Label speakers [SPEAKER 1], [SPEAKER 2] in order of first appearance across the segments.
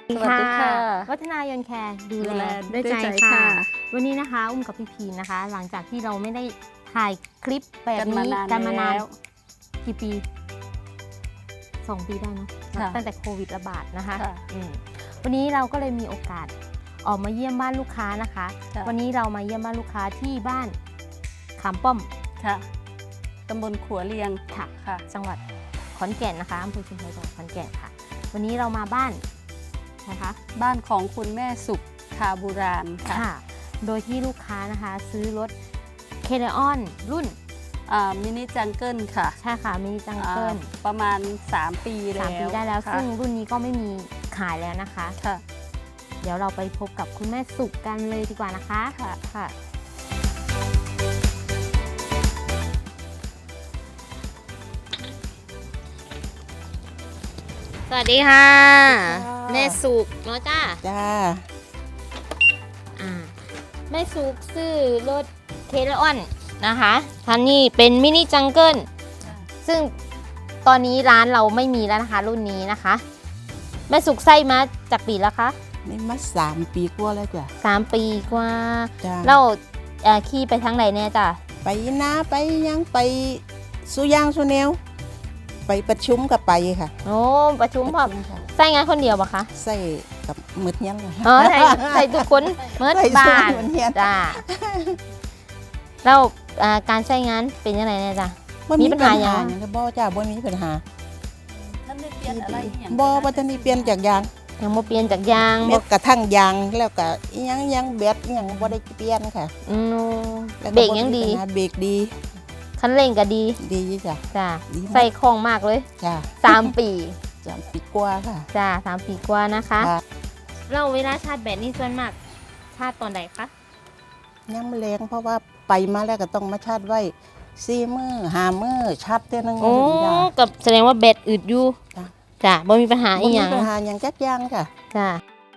[SPEAKER 1] สวัสดีค่ะ
[SPEAKER 2] วัฒนายนแคร์ดู
[SPEAKER 1] ดู
[SPEAKER 2] แล
[SPEAKER 1] แล
[SPEAKER 2] ด้วยใจ
[SPEAKER 1] ด้วยใจ
[SPEAKER 2] ค่ะ
[SPEAKER 1] ค่ะ
[SPEAKER 2] วันนี้นะคะอุ้มกับพี่พีนะคะ หลังจากที่เราไม่ได้ถ่ายคลิปแบบ
[SPEAKER 1] กันมา
[SPEAKER 2] นี้
[SPEAKER 1] นาน
[SPEAKER 2] กันมานาน
[SPEAKER 1] แล้ว
[SPEAKER 2] กี่ปี2 ปีได้เนอะ
[SPEAKER 1] ค่ะ
[SPEAKER 2] ตั้งแต่โควิดระบาดนะคะ
[SPEAKER 1] ค่ะ
[SPEAKER 2] วันนี้เราก็เลยมีโอกาสออกมาเยี่ยมบ้านลูกค้านะคะ
[SPEAKER 1] ค่ะ
[SPEAKER 2] วันนี้เรามาเยี่ยมบ้านลูกค้าที่บ้านขามป้อม
[SPEAKER 1] ค่ะตำบลขัวเรียง
[SPEAKER 2] ค่ะ
[SPEAKER 1] ค่ะ
[SPEAKER 2] จังหวัดขอนแก่นนะคะอำเภอชุมแพจังหวัดขอนแก่นค่ะ วันนี้เรามาบ้านนะคะ
[SPEAKER 1] บ้านของคุณแม่สุขคาบูรานค่ะ
[SPEAKER 2] ค่ะ โดยที่ลูกค้านะคะซื้อรถเคเ ออนรุ่น
[SPEAKER 1] มินิจังเกิลค่ะ
[SPEAKER 2] ใช่ค่ะมินิจังเกิล
[SPEAKER 1] ประมาณ 3 ปีแล้ว
[SPEAKER 2] 3 ปีได้แล้ว
[SPEAKER 1] ค่ะ
[SPEAKER 2] ซึ่งรุ่นนี้ก็ไม่มีขายแล้วนะคะ
[SPEAKER 1] ค่ะ
[SPEAKER 2] เดี๋ยวเราไปพบกับคุณแม่สุขกันเลยดีกว่านะคะ
[SPEAKER 1] ค่ะ
[SPEAKER 2] ค่ะสวัสดีค่ะ แม่สุขเนาะจ้า
[SPEAKER 3] จ้า
[SPEAKER 2] แม่สุกซื้อรถเคเ ออนนะคะคันนี้เป็นมินิจังเกิลซึ่งตอนนี้ร้านเราไม่มีแล้วนะคะรุ่นนี้นะคะ แม่สุกใส่มาจากปีแล้วคะ
[SPEAKER 3] นี่มา3 ปีกว่าแล้วจ้ะ
[SPEAKER 2] 3 ปีกว่า
[SPEAKER 3] จ้า
[SPEAKER 2] เราขี่ไปทางไหนเนี่ยจ้ะ
[SPEAKER 3] ไปนาไปยังไปสุยางสุแนวไปประชุมกับไปค่ะ
[SPEAKER 2] โอ้ประชุมพอ
[SPEAKER 3] ค่ะ
[SPEAKER 2] ใส่งานคนเดียวปะคะ
[SPEAKER 3] ใส่กับมืดยังเลย
[SPEAKER 2] อ๋อใส่ทุกคนเมื่อ
[SPEAKER 3] ใส่
[SPEAKER 2] บ้า
[SPEAKER 3] สู้
[SPEAKER 2] น
[SPEAKER 3] เหมือนเฮียน
[SPEAKER 2] จ้าแล้วการใช้งานเป็นยังไงเนี่ยจ้ะ
[SPEAKER 3] บ่
[SPEAKER 2] มี
[SPEAKER 3] มี
[SPEAKER 2] ปั
[SPEAKER 3] ปั
[SPEAKER 2] ญ
[SPEAKER 3] ญ
[SPEAKER 2] หา
[SPEAKER 3] หา
[SPEAKER 2] หยัง
[SPEAKER 3] หยังบ่จ้าบ่มีปัญหา
[SPEAKER 1] ท่านได้เปลี่ยนอะไรอย่าง
[SPEAKER 3] บ่ทันได้เปลี่ยนจากยาง
[SPEAKER 2] ยังบ่เปลี่ยนจากยาง
[SPEAKER 3] แม้กระทั่งยางแล้วก็อิหยังแบตอิหยังบ่ได้เปลี่ยนค่ะ
[SPEAKER 2] อืม
[SPEAKER 3] แล้ว
[SPEAKER 2] เบรกยังดี
[SPEAKER 3] มีปัญหาเบรกดี
[SPEAKER 2] คันเร่งก็ดี
[SPEAKER 3] ดีจ้ะ
[SPEAKER 2] จ้า
[SPEAKER 3] ดีมาก
[SPEAKER 2] ใส่ของมากเลย
[SPEAKER 3] จ้า
[SPEAKER 2] 3 ปี
[SPEAKER 3] 3 ปีกว่าค่ะ
[SPEAKER 2] จ้า3 ปีกว่านะคะ
[SPEAKER 3] ค่ะ
[SPEAKER 2] เราเวลาชาร์จแบตนี่ส่วนมากชาร์จตอนไหนคะ
[SPEAKER 3] ยังแรงเพราะว่าไปมาแล้วก็ต้องมาชาร์จไว้4 มื้อ5 มื้อชาร์จเท่อนึง
[SPEAKER 2] โอ้
[SPEAKER 3] จ้ะ
[SPEAKER 2] กับแสดงว่าแบตอึดอยู่
[SPEAKER 3] จ้ะ
[SPEAKER 2] จ้าบ่มีปัญหา
[SPEAKER 3] บ่
[SPEAKER 2] อี
[SPEAKER 3] มี
[SPEAKER 2] หยัง
[SPEAKER 3] ปัญหาหยังจักอย่างค่ะ
[SPEAKER 2] จ้า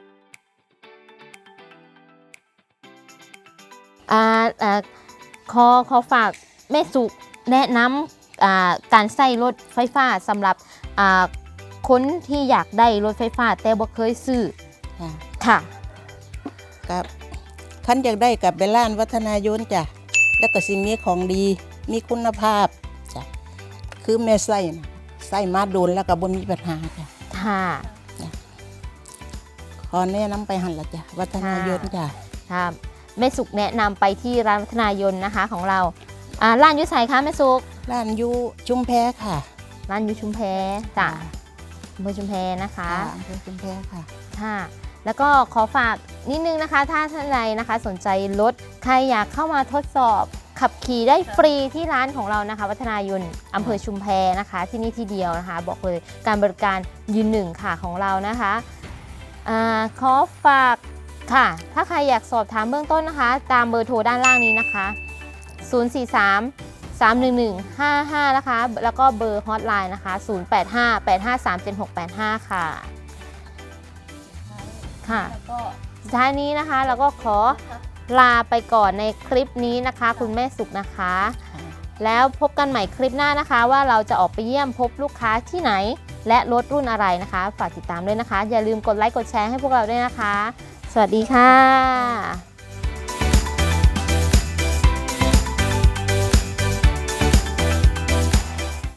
[SPEAKER 2] อ่าอ่าขอฝากแม่สุแนะนำการใส่รถไฟฟ้าสำหรับคนที่อยากได้รถไฟฟ้าแต่บ่เคยซื้อ
[SPEAKER 3] ค่ะ
[SPEAKER 2] ค่ะ
[SPEAKER 3] กับคันอยากได้กับเบลล้านวัฒนายนจ้ะแล้วก็สิมีของดีมีคุณภาพจ้ะคือแม่ใส่นะใส่มาโดนแล้วก็บ่มีปัญหาจ้ะ
[SPEAKER 2] ค่ะ
[SPEAKER 3] ขอแนะนำไปหั่นละจ้ะวัฒนายนจ้ะ
[SPEAKER 2] ครับแม่สุกแนะนำไปที่ร้านวัฒนายนนะคะของเราร้านอยุไสคะแม่สุก
[SPEAKER 3] ร้านอยู่ชุมแพค่ะ
[SPEAKER 2] ร้านอยุชุมแพจ้ะอำเภอชุมแพนะคะ
[SPEAKER 3] อำเภอชุมแพค่ะ
[SPEAKER 2] ค่ะ แล้วก็ขอฝากนิดนึงนะคะ ถ้าท่านใดนะคะสนใจรถใครอยากเข้ามาทดสอบขับขี่ได้ฟรีที่ร้านของเรานะคะ วัฒนายนอำเภอชุมแพนะคะ ที่นี่ที่เดียวนะคะ บอกเลยการบริการยืนหนึ่งค่ะของเรานะคะขอฝากค่ะ ถ้าใครอยากสอบถามเบื้องต้นนะคะ ตามเบอร์โทรด้านล่างนี้นะคะ 043 311 55 นะคะ แล้วก็เบอร์ฮอตไลน์นะคะ 085 853 7685 ค่ะ ค่ะ
[SPEAKER 1] แล้วก็
[SPEAKER 2] สุดท้ายนี้นะคะเราก็ขอลาไปก่อนในคลิปนี้นะคะ คุณแม่สุขนะคะ แล้วพบกันใหม่คลิปหน้านะคะ ว่าเราจะออกไปเยี่ยมพบลูกค้าที่ไหน และรถรุ่นอะไรนะคะ ฝากติดตามด้วยนะคะ อย่าลืมกดไลค์กดแชร์ให้พวกเราด้วยนะคะ สวัสดีค่ะ